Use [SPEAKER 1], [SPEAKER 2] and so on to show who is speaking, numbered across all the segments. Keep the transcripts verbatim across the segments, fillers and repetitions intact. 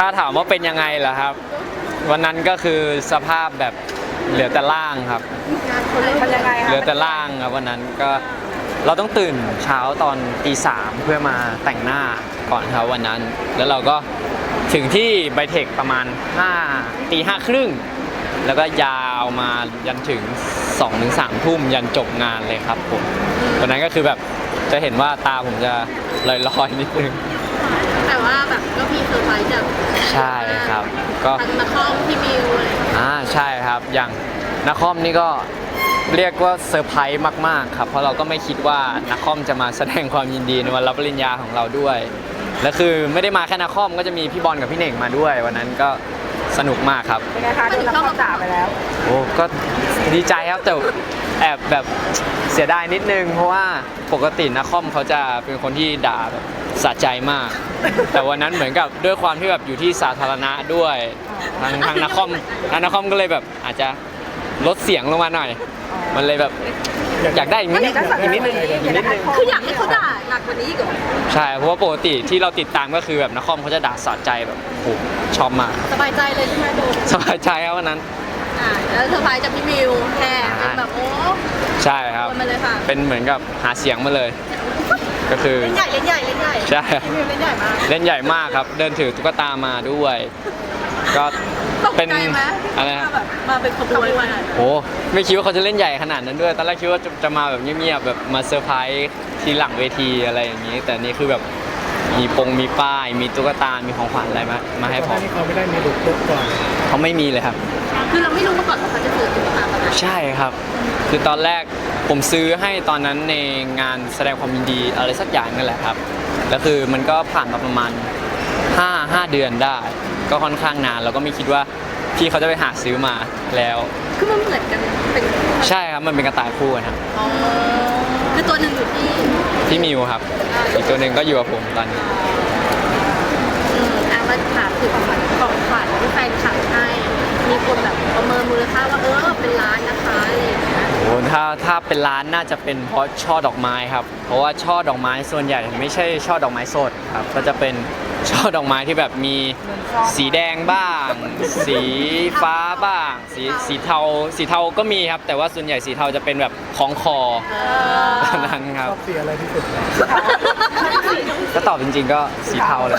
[SPEAKER 1] ถ้าถามว่าเป็นยังไงล่ะครับวันนั้นก็คือสภาพแบบเหลือแต่ล่างครับเหลือแต่ล่างครับวันนั้นก็เราต้องตื่นเช้าตอนตีสามเพื่อมาแต่งหน้าก่อนครับวันนั้นแล้วเราก็ถึงที่ไบเทคประมาณห้าตีห้าครึ่งแล้วก็ยาวมายันถึงสองถึงสามทุ่มยันจบงานเลยครับผมวันนั้นก็คือแบบจะเห็นว่าตาผมจะลอยๆนิดนึง
[SPEAKER 2] แต่ว่าแบบก็มีเซอร์ไพรส์จาก
[SPEAKER 1] ใช่ครับก็
[SPEAKER 2] ทางนักคอมพี่มิวอะไร
[SPEAKER 1] อ่าใช่ครับอย่างนักคอมนี่ก็เรียกว่าเซอร์ไพรส์มากๆครับเพราะเราก็ไม่คิดว่านักคอมจะมาแสดงความยินดีในวันรับปริญญาของเราด้วยและคือไม่ได้มาแค่นักคอมก็จะมีพี่บอลกับพี่เน่งมาด้วยวันนั้นก็สนุกมากครับ
[SPEAKER 3] เป็นไงคะโดนนักคอมด่าไปแล้ว
[SPEAKER 1] โอ้ก็ดีใจครับแต่แอบแบบเสียดายนิดนึงเพราะว่าปกตินักคอมเขาจะเป็นคนที่ด่าแบบสะใจมากแต่วันนั้นเหมือนกับด้วยความที่แบบอยู่ที่สาธารณะด้วยทางทางนักคอมทางนักคอมก็เลยแบบอาจจะลดเสียงลงมาหน่อยมันเลยแบบอยากได้อีกนิดนึงอีกนิดนึงอีกนิดนึง
[SPEAKER 2] คืออยากให้เขาด่าหนักกว่านี้อีกเหรอ
[SPEAKER 1] ใช่เพราะว่าปกติที่เราติดตามก็คือแบบนักคอมเขาจะด่าสะใจแบบโอ้ชอบมาก
[SPEAKER 2] สบายใจเลยใช่ไหมโดน
[SPEAKER 1] สบายใจครับวันนั้น
[SPEAKER 2] อ่าแล้วเซอร์ไพรส์จากพี่มิวแค่เป็นแบบโอ้
[SPEAKER 1] ใช่ครับเป็นเหมือนกับหาเสียงมาเลยก็คือ
[SPEAKER 2] เล่นใหญ่เล่นใหญ่เล่นใหญ่
[SPEAKER 1] ใช่
[SPEAKER 2] พี่มิวเล่นใหญ่มาก
[SPEAKER 1] เล่นใหญ่มากครับเดินถือตุ๊กตามาด้วยก็
[SPEAKER 2] เป็นอะไรแบบมาเป็นขบวนมา
[SPEAKER 1] โอ้ไม่คิดว่าเขาจะเล่นใหญ่ขนาดนั้นด้วยตอนแรกคิดว่าจะมาแบบเงียบๆแบบมาเซอร์ไพรส์ทีหลังเวทีอะไรอย่างนี้แต่นี่คือแบบมีปงมีป้ายมีตุ๊กตามีของขวัญอะไรมามาให้ผม
[SPEAKER 3] เขาไม่ได้มีลุกลุกก่อน
[SPEAKER 1] เขาไม่มีเลยครับ
[SPEAKER 2] คือเราไม่รู้มาก่อนว่าเขาจะซื้อตุ๊กตามา
[SPEAKER 1] ใช่ครับคือตอนแรกผมซื้อให้ตอนนั้นในงานแสดงความยินดีอะไรสักอย่างนั่นแหละครับแล้วคือมันก็ผ่านมาประมาณห้า ห้าเดือนได้ก็ค่อนข้างนานแล้วก็ไม่คิดว่าพี่เขาจะไปหาซื้อมาแล้ว
[SPEAKER 2] คือมันเหมือนกันเป็น
[SPEAKER 1] ใช่ครับมันเป็นกระต่ายคู่ครับ
[SPEAKER 2] อ๋อคือตัวหนึ่งอยู่ที่
[SPEAKER 1] พี่มิวครับอีกตัวหนึ่งก็อยู่กับผมตอนนี้
[SPEAKER 2] อืมอ่ะมาถามถึงของขวัญของขวัญที่แฟนคลับให้มีคนแบบประเมินมูลค่าว่าเออเป็นล้านนะคะอะไรอย่างเงี้ย
[SPEAKER 1] โอ้ถ้าถ้าเป็นล้านน่าจะเป็นเพราะช่อดอกไม้ครับเพราะว่าช่อดอกไม้ส่วนใหญ่ไม่ใช่ช่อดอกไม้สดครับก็จะเป็นช่อดอกไม้ที่แบบมีสีแดงบ้างสีฟ้าบ้างสีสีเทาสีเทาก็มีครับแต่ว่าส่วนใหญ่สีเทาจะเป็นแบบของคอนั้นครับ
[SPEAKER 3] ชอบสีอะไรที่สุด
[SPEAKER 1] ก็ตอบจริงๆก็สีเทาเลย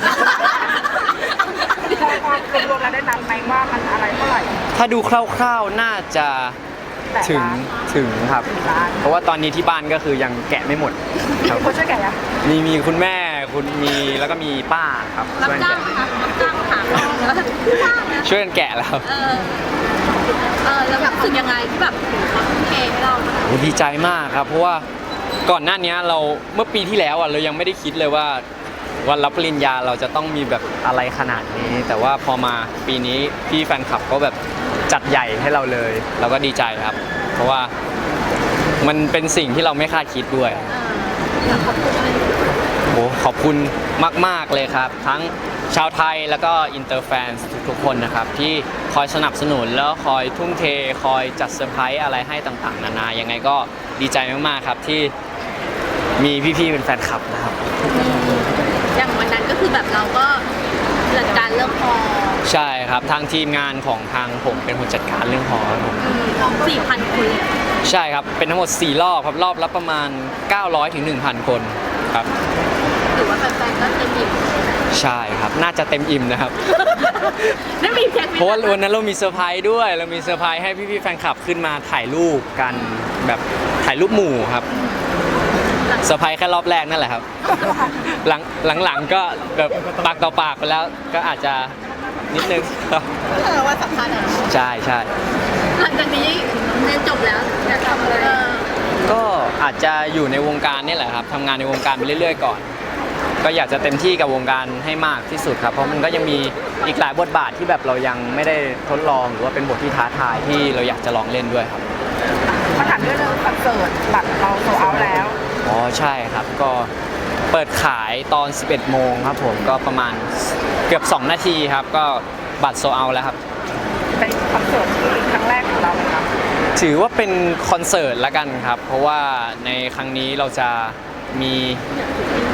[SPEAKER 3] รวมๆแล้วได้นับไหมว่ามันอะไรเท่าไหร่
[SPEAKER 1] ถ้าดูคร่าวๆน่าจะถึงถึงครับเพราะว่าตอนนี้ที่บ้านก็คือยังแกะไม่หมด
[SPEAKER 3] ครับคนช่วยแกะยัง
[SPEAKER 1] มีมีคุณแม่คุณมีแล้วก็มีป้าครับ
[SPEAKER 2] รับจ้างค่ะรับจ้างค่ะ
[SPEAKER 1] ช่วยกันแกะแล้ว
[SPEAKER 2] เออเออแล้วแบบรู้สึกยังไงที่แบบเขาทุ่มเทให้เรา
[SPEAKER 1] โอ้ดีใจมากครับเพราะว่าก่อนหน้านี้เราเมื่อปีที่แล้วอ่ะเรายังไม่ได้คิดเลยว่าวันรับปริญญาเราจะต้องมีแบบอะไรขนาดนี้แต่ว่าพอมาปีนี้พี่แฟนคลับก็แบบจัดใหญ่ให้เราเลยเราก็ดีใจครับเพราะว่ามันเป็นสิ่งที่เราไม่คาดคิดด้วย
[SPEAKER 2] ขอบคุณ
[SPEAKER 1] โอ้ขอบคุณมากๆเลยครับทั้งชาวไทยแล้วก็อินเตอร์แฟนทุกๆคนนะครับที่คอยสนับสนุนแล้วคอยทุ่มเทคอยจัดเซอร์ไพรส์อะไรให้ต่างๆนานายังไงก็ดีใจมากๆครับที่มีพี่ๆเป็นแฟนคลับนะครับ
[SPEAKER 2] อย่างวันนั้นก็คือแบบเราก็จัดการเรื่องฮอ
[SPEAKER 1] ใช่ครับทางทีมงานของทางผมเป็นคนจัดการเรื่องฮอครับผม
[SPEAKER 2] สี่พันคน
[SPEAKER 1] ใช่ครับเป็นทั้งหมดสี่รอบครับรอบละประมาณเก้าร้อยถึงหนึ่งพันคนครับ
[SPEAKER 2] ถือว่าแฟนๆก็เต็มอิ่ม
[SPEAKER 1] ใช่ครับน่าจะเต็มอิ่มนะครับ
[SPEAKER 2] ไม่มีแค่
[SPEAKER 1] เพราะว่าวันนั้นเรามีเซอร์ไพรส์ด้วยเรามีเซอร์ไพรส์ให้พี่ๆแฟนคลับขึ้นมาถ่ายรูปกันแบบถ่ายรูปหมู่ครับเซอร์ไพรส์แค่รอบแรกนั่นแหละครับหลังหลังๆก็แบบปากต่อปากไปแล้วก็อาจจะนิดนึงครับ
[SPEAKER 2] ว่าสำคัญอ่ะ
[SPEAKER 1] ใช่ใช่
[SPEAKER 2] หลังจากนี้เรียนจบแล้วอยากทำอะไร
[SPEAKER 1] ก็อาจจะอยู่ในวงการนี่แหละครับทำงานในวงการไปเรื่อยๆก่อนก็อยากจะเต็มที่กับวงการให้มากที่สุดครับเพราะมันก็ยังมีอีกหลายบทบาทที่แบบเรายังไม่ได้ทดลองหรือว่าเป็นบทที่ท้าทายที่เราอยากจะลองเล่นด้วยครับ
[SPEAKER 3] มาถามเรื่องคอนเสิร์ตบัตรเราโซเอาแล้ว
[SPEAKER 1] อ๋อใช่ครับก็เปิดขายตอน สิบเอ็ดโมงครับผมก็ประมาณเกือบสองนาทีครับก็บัตรโซเอาแล้วครับ
[SPEAKER 3] เป็นคอนเสิร์ตที่ครั้งแรกของเราไหมครับ
[SPEAKER 1] ถือว่าเป็นคอนเสิร์ตละกันครับเพราะว่าในครั้งนี้เราจะมี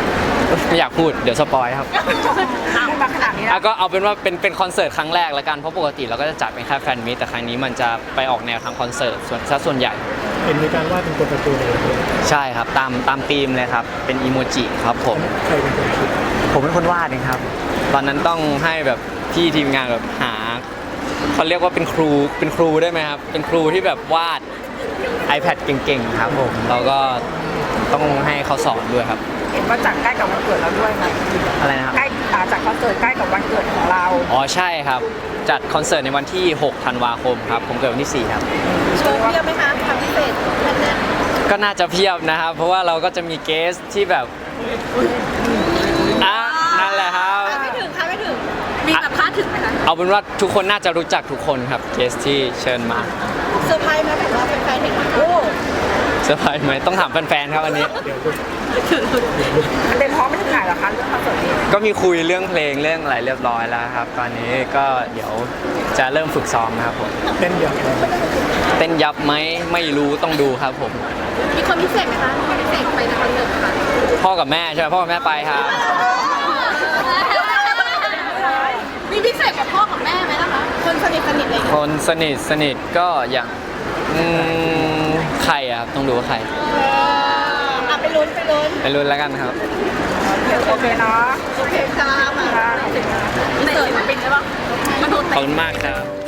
[SPEAKER 1] ไม่อยากพูดเดี๋ยวสปอยครับ
[SPEAKER 3] พูดมาขนาดนี้
[SPEAKER 1] อ่ะ
[SPEAKER 3] แล้ว
[SPEAKER 1] ก็เอาเป็นว่าเป็นเป็นคอนเสิร์ตครั้งแรกแล้วกันเพราะปกติเราก็จะจัดเป็นแค่แฟนมิตแต่ครั้งนี้มันจะไปออกแนวทางคอนเสิร์ตส่วนซะส่วนใหญ่
[SPEAKER 4] เห็นมีการวาดเป็นตัวการ์ตูนอะไรด้วย
[SPEAKER 1] ใช่ครับตามตามธีมเลยครับเป็นอีโมจิครับผม
[SPEAKER 4] ใครเป็นคนคิด
[SPEAKER 1] ผมเป็นคนวาดเองครับ ตอนนั้นต้องให้แบบพี่ทีมงานแบบหาเขาเรียกว่าเป็นครูเป็นครูได้ไหมครับเป็นครูที่แบบวาด iPad เก่งๆครับผมเราก็ต้องให้เขาสอนด้วยครับ
[SPEAKER 3] เห็นว่าจัดใกล้กับวันเกิดเราด้วยไหม
[SPEAKER 1] อะไรนะครับ
[SPEAKER 3] ใกล้อ่าจัดคอนเสิร์ตใกล้กับวันเกิดของเรา
[SPEAKER 1] อ๋อใช่ครับ จัดคอนเสิร์ตในวันที่หกธันวาคมครับผมเกิดวันที่สี่ครับ
[SPEAKER 2] โชว์เพียบไหมคะทำพิเศษแค่นั้น
[SPEAKER 1] ก็น่าจะเพียบนะครับ เพราะว่าเราก็จะมีเกสที่แบบอ่ะนั่นแหละครับ
[SPEAKER 2] คาดไม่ถึงคาดไม่ถึงมีแบบคาดถึงไหมคะ
[SPEAKER 1] เอาเป็นว่าทุกคนน่าจะรู้จักทุกคนครับเกสที่เชิญมา
[SPEAKER 2] เซอร์ไพรส์ไหมแบบว่าแฟนๆเห็นโอ้
[SPEAKER 1] เซอร์ไพรส์ไหมต้องถามแฟนๆครับอันนี้
[SPEAKER 4] เดี๋ยวลูก
[SPEAKER 3] มันเป็นพร้อมไม่ถึงไหนเหรอคะเรื่องคอนเสิร์ตนี้
[SPEAKER 1] ก็มีคุยเรื่องเพลงเรื่องอะไรเรียบร้อยแล้วครับ ตอนนี้ก็เดี๋ยวจะเริ่มฝึกซ้อมครับผม
[SPEAKER 4] เต้นอย่างไร
[SPEAKER 1] เต้นยับไหมไม่รู้ต้องดูครับผม
[SPEAKER 2] มีคนพิเศษไหมคะมีคนพิเศษไปในคอนเสิร์ตไหมคะ
[SPEAKER 1] พ่อกับแม่ใช่ไหมพ่อกับแม่ไปครับ
[SPEAKER 2] มีพิเศษกับพ่อกับแม่ไหมล่ะคะคนสนิทสนิทอะไรอย่าง
[SPEAKER 1] ค
[SPEAKER 2] เงี้ย
[SPEAKER 1] นสนิทสนิทก็อย่างอืมใครอะครับต้องดูว่าใคร
[SPEAKER 2] เอออ่ะไปลุ้นไปลุ้น
[SPEAKER 1] ไปรุ่นแล้วกันครับ
[SPEAKER 3] โอเคเนาะ
[SPEAKER 2] โอเคค่ะมาพิเศษมันเป็นได้ปะมันโดน
[SPEAKER 1] ขอบคุณมากครับ